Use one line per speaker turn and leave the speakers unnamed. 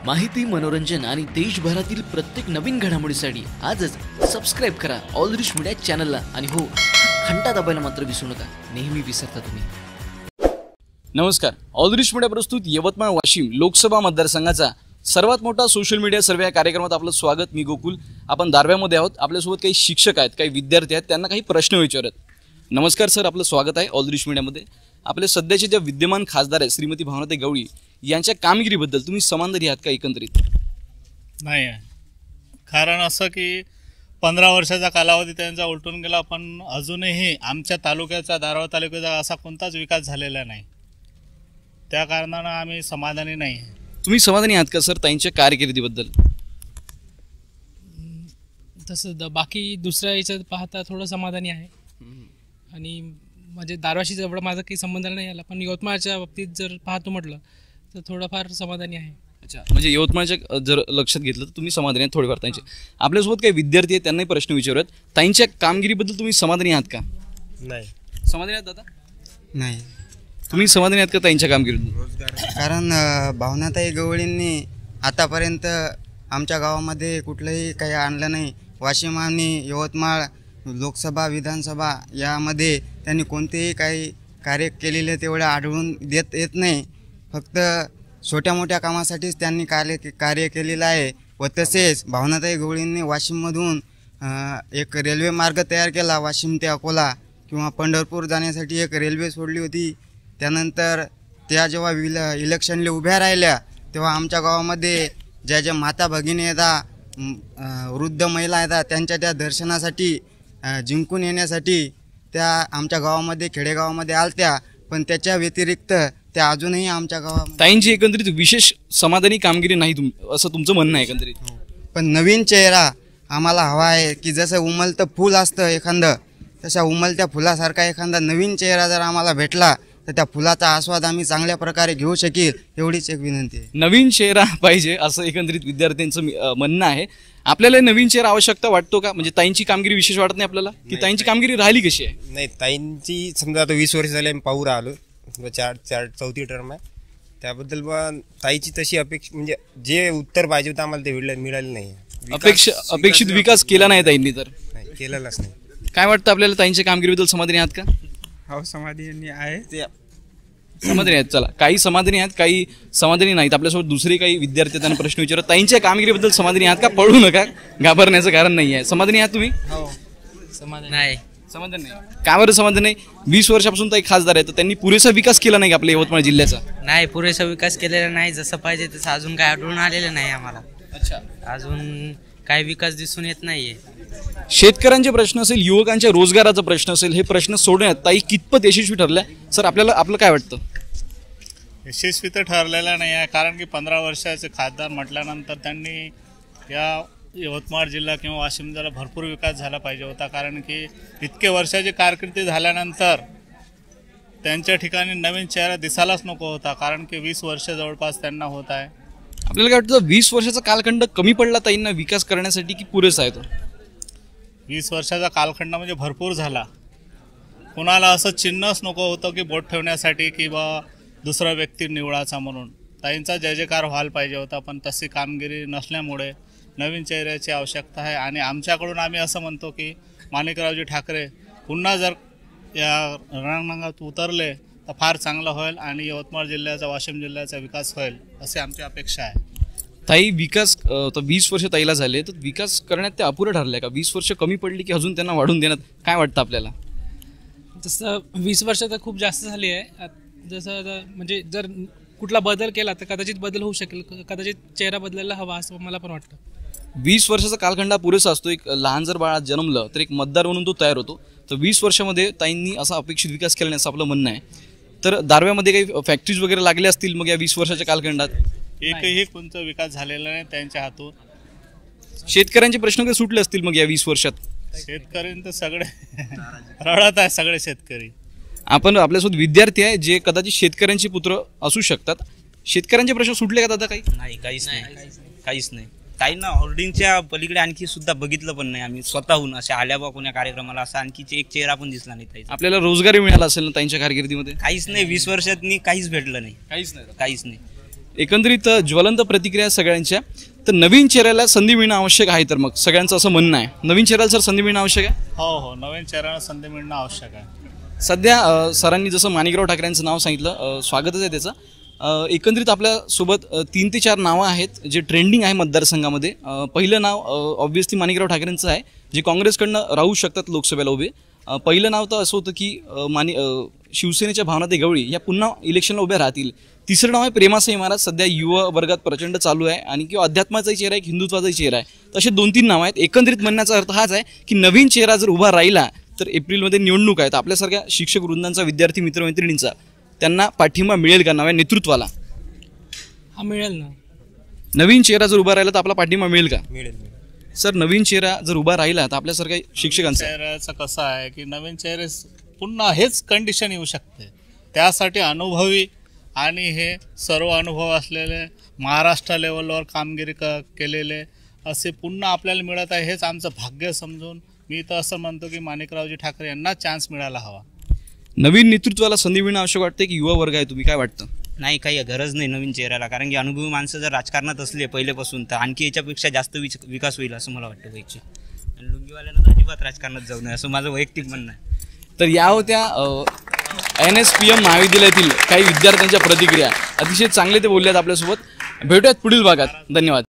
माहिती, मनोरंजन आणि देशभरातील प्रत्येक नवीन घडामोडीसाठी आजच सबस्क्राईब करा ऑल दृश मीडिया चॅनलला. आणि हो, घंटा दाबायला मात्र विसरू नका, नेहमी विसरता तुम्ही.
नमस्कार. ऑल दृश मीडिया प्रस्तुत यवतमाळ वाशिम लोकसभा मतदारसंघाचा सर्वात मोठा सोशल मीडिया सर्वे या कार्यक्रमात आपलं स्वागत. मी गोकुल. आपण दारव्यामध्ये आहोत. आपल्यासोबत काही शिक्षक आहेत, काही विद्यार्थी आहेत, त्यांना काही प्रश्न विचारत. नमस्कार सर, आपलं स्वागत आहे ऑल दृश मीडियामध्ये. आपले सध्याचे ज्या विद्यमान खासदार आहेत श्रीमती भावनाताई गवळी यांच्या कामगिरीबद्दल तुम्ही समाधानी आहात का एकंदरीत?
नाही आहे. कारण असं की 15 वर्षाचा कालावधी त्यांचा उलटून गेला, पण अजूनही आमच्या तालुक्याचा, दारव्हा तालुक्याचा असा कोणताच विकास झालेला नाही. त्या कारणानं आम्ही समाधानी नाही आहे.
तुम्ही समाधानी आहात का सर ताईंच्या कारकिर्दीबद्दल?
तसं बाकी दुसऱ्या याच्यात पाहता थोडं समाधानी आहे. आणि म्हणजे दारव्हाशी जवळ माझा काही संबंध नाही आला, पण यवतमाळच्या बाबतीत जर पाहतो म्हटलं तर थोडंफार समाधानी आहे.
अच्छा, म्हणजे यवतमाळच्या जर लक्षात घेतलं तर तुम्ही समाधानी आहात थोडेफार ताईंचे. आपल्यासोबत काही विद्यार्थी आहेत, त्यांनाही प्रश्न विचारूयात. ताईंच्या कामगिरीबद्दल तुम्ही समाधानी आहात का?
नाही.
समाधानी आहात दादा?
नाही.
तुम्ही समाधानी आहात का ताईंच्या कामगिरीबद्दल?
कारण भावनाताई गवळींनी आतापर्यंत आमच्या गावामध्ये कुठलंही काही आणलं नाही. वाशिम आणि यवतमाळ लोकसभा, विधानसभा यामध्ये त्यांनी कोणतेही काही कार्य केलेले तेवढं आढळून येत नाही. फक्त छोट्या मोठ्या कामासाठीच त्यांनी कार्य केलेलं आहे. व तसेच भावनाताई गवळींनी वाशिममधून एक रेल्वे मार्ग तयार केला. वाशिम ते अकोला किंवा पंढरपूर जाण्यासाठी एक रेल्वे सोडली होती. त्यानंतर त्या जेव्हा इलेक्शनला उभ्या राहिल्या तेव्हा आमच्या गावामध्ये ज्या माता भगिनी येतात, वृद्ध महिला येतात, त्यांच्या त्या दर्शनासाठी जिंकून येण्यासाठी त्या आमच्या गावामध्ये, खेडेगावामध्ये आलत्या. पण त्याच्या व्यतिरिक्त त्या अजूनही आमच्या गावामध्ये.
ताईंची एकंदरीत विशेष समाधानी कामगिरी नाही असं तुमचं म्हणणं आहे एकंदरीत?
पण नवीन चेहरा आम्हाला हवा आहे, की जसं उमलतं फूल असतं एखादं, तशा उमलत्या फुलासारखा एखादा नवीन चेहरा जर आम्हाला भेटला तर त्या फुलाचा आस्वाद आम्ही चांगल्या प्रकारे घेऊ शकेल, एवढीच एक विनंती आहे.
नवीन चेहरा पाहिजे असं एकंदरीत विद्यार्थ्यांचं म्हणणं आहे. आपल्याला नवीन चेहरा आवश्यकता वाटतो का? म्हणजे ताईंची कामगिरी विशेष वाटत नाही आपल्याला, की ताईंची कामगिरी राहिली कशी आहे?
नाही, ताईंची समजा आता 20 वर्ष झाले आम्ही पाहू राहिलो, चौथी टर्म आहे. त्याबद्दल ताईची तशी अपेक्षा, म्हणजे जे उत्तर पाहिजे होतं आम्हाला ते मिळालं नाही.
अपेक्षित विकास केला नाही ताईंनी, तर
नाही केलेलाच नाही.
काय वाटतं आपल्याला ताईंच्या कामगिरीबद्दल समाधानी आहात का?
हो, समाधानी आहे.
समाधानी आहेत. चला, काही समाधानी आहेत, काही समाधानी नाहीत. आपल्यासोबत दुसरे काही विद्यार्थी त्यांना प्रश्न विचारत. ताईंच्या कामगिरीबद्दल समाधानी आहात का? पळू नका, घाबरण्याचं कारण नाही आहे. समाधानी आहात तुम्ही?
हो, समाधान नाही.
समाधान नाही. का बरं समाधान नाही? 20 वर्षापासून ताई खासदार आहेत, तर त्यांनी पुरेसा विकास केला नाही का आपल्या यवतमाळ जिल्ह्याचा?
नाही, पुरेसा विकास केलेला नाही. जसं पाहिजे तसं अजून काय आढळून आलेलं नाही आम्हाला.
अच्छा,
अजून काही विकास दिसून येत नाहीये.
शेतकऱ्यांचे प्रश्न असेल, युवकांच्या रोजगाराचा प्रश्न असेल, हे प्रश्न सोडण्यात ताई कितपत यशस्वी ठरल्या सर? आपलं काय वाटतं?
यशस्वी तर ठरलेला नाही आहे. कारण की 15 वर्षाचे खासदार म्हटल्यानंतर त्यांनी या यवतमाळ जिल्हा किंवा वाशिम जिल्ह्याला भरपूर विकास झाला पाहिजे होता. कारण की इतके वर्षाची कारकिर्दी झाल्यानंतर त्यांच्या ठिकाणी नवीन चेहरा दिसायलाच नको होता. कारण की 20 वर्ष जवळपास त्यांना होत आहे.
आपल्याला काय वाटतं, 20 वर्षाचा कालखंड कमी पडला ताईंना विकास करण्यासाठी, की पुरेसा आहे तो?
20 वर्षाचा कालखंड म्हणजे भरपूर झाला. कोणाला असं चिन्हच नको होतं की बोट ठेवण्यासाठी किंवा दुसरा व्यक्ती निवडाचा म्हणून. ताईंचा जय जयकार व्हायला पाहिजे होता, पण तशी कामगिरी नसल्यामुळे नवीन चेहऱ्याची आवश्यकता आहे. आणि आमच्याकडून आम्ही असं म्हणतो की माणिकरावजी ठाकरे पुन्हा जर या रणांगणात उतरले तर फार चांगलं होईल आणि यवतमाळ जिल्ह्याचा, वाशिम जिल्ह्याचा विकास होईल अशी आमची अपेक्षा आहे.
ताई, विकास तर 20 वर्ष ताईला झाले, तर विकास करण्यात ते अपुरं ठरलंय का? 20 वर्ष कमी पडली की अजून त्यांना वाढून देण्यात काय वाटतं आपल्याला?
तसं 20 वर्ष तर खूप जास्त झाली आहे. जसं म्हणजे जर कुठला बदल केला तर कदाचित बदल होऊ शकेल, कदाचित चेहरा बदलायला हवा असं मला पण वाटतं.
20 वर्षाचा कालखंड पुरेसा असतो. एक लहान जर बाळा जन्मलं तर एक मतदार म्हणून तो तयार होतो. तर 20 वर्षामध्ये ताईंनी असा अपेक्षित विकास केला नाही असं आपलं म्हणणं आहे. तर दारव्यामध्ये काही फॅक्टरीज वगैरे लागल्या असतील मग या 20 वर्षाच्या कालखंडात?
एकही कोणता विकास झालेला नाही त्यांच्या हातून.
शेतकऱ्यांचे प्रश्न काही सुटले असतील मग या 20 वर्षात?
शेतकऱ्यांचं सगळे रडत आहे, सगळे शेतकरी.
आपण आपल्यासोबत विद्यार्थी आहे जे कदाचित शेतकऱ्यांचे पुत्र असू शकतात. शेतकऱ्यांचे प्रश्न सुटले का दादा काही?
नाही, काहीच नाही. ताईंना होर्डिंगच्या पलीकडे आणखी सुद्धा बघितलं पण नाही आम्ही स्वतःहून. अशा आल्या बा कोण्या कार्यक्रमाला असा आणखी एक चेहरा पण दिसला नाही ताईचा.
आपल्याला रोजगारी मिळाला असेल ना ताईंच्या कारकिर्दीमध्ये?
काहीच नाही. 20 वर्षात काहीच भेटलं नाही.
काहीच नाही. एकंदरीत ज्वलंत प्रतिक्रिया सगळ्यांच्या. तर नवीन चेहऱ्याला संधी मिळणं आवश्यक आहे, तर मग सगळ्यांचं असं म्हणणं आहे नवीन चेहऱ्याला सर संधी मिळणं आवश्यक आहे.
हो, नवीन चेहऱ्याला संधी मिळणं आवश्यक आहे.
सध्या सरांनी जसं माणिकराव ठाकरेंचं नाव सांगितलं, स्वागतच आहे त्याचं. एकंदरीत आपल्यासोबत 3 ते 4 नावं आहेत जे ट्रेंडिंग आहे मतदारसंघामध्ये. पहिलं नाव ऑब्व्हियसली माणिकराव ठाकरेंचं आहे, जे काँग्रेसकडनं राहू शकतात लोकसभेला उभे. पहिलं नाव तर असं होतं की शिवसेनेच्या भावनाताई गवळी या पुन्हा इलेक्शनला उभ्या राहतील. तिसरं नाव आहे प्रेमासाई महाराज, सध्या युवा वर्गात प्रचंड चालू आहे आणि किंवा अध्यात्माचाही चेहरा आहे, एक हिंदुत्वाचाही चेहरा आहे. तसे 2-3 नावं आहेत. एकंदरीत म्हणण्याचा अर्थ हाच आहे की नवीन चेहरा जर उभा राहिला तर एप्रिलमध्ये निवडणूक आहेत. आपल्यासारख्या शिक्षक वृंदांचा, विद्यार्थी मित्रमैत्रिणींचा त्यांना पाठिंबा मिळेल का नव्या नेतृत्वाला?
हा मिळेल ना.
नवीन चेहरा जर उभा राहिला तर आपला पाठिंबा मिळेल का?
मिळेल.
सर, नवीन चेहरा जर उभा राहिला तर आपल्यासारख्या शिक्षकांचा
चेहऱ्याचं कसं आहे की नवीन चेहरे पुन्हा हेच कंडिशन येऊ शकते. त्यासाठी अनुभवी आणि हे सर्व अनुभव असलेले, महाराष्ट्र लेवलवर कामगिरी केलेले असे पुन्हा आपल्याला मिळत आहे. हेच आमचं भाग्य समजून मी तर असं म्हणतो की माणिकरावजी ठाकरे यांना चान्स मिळायला हवा.
नवीन नेतृत्वाला संधी मिळणं आवश्यक वाटते की युवा वर्ग आहे, तुम्ही काय वाटतं?
नाही, काही गरज नाही नवीन चेहऱ्याला, कारण की अनुभवी माणसं जर राजकारणात असले पहिलेपासून तर आणखी याच्यापेक्षा जास्त विकास होईल असं मला वाटतं वैयक्तिक. आणि लुंगीवाल्यांना अजिबात राजकारणात जाऊ नये असं माझं वैयक्तिक म्हणणं आहे.
तर या होत्या NSPM महाविद्यालयातील काही विद्यार्थ्यांच्या प्रतिक्रिया. अतिशय चांगले ते बोलल्यात आपल्यासोबत. भेटूयात पुढील भागात. धन्यवाद.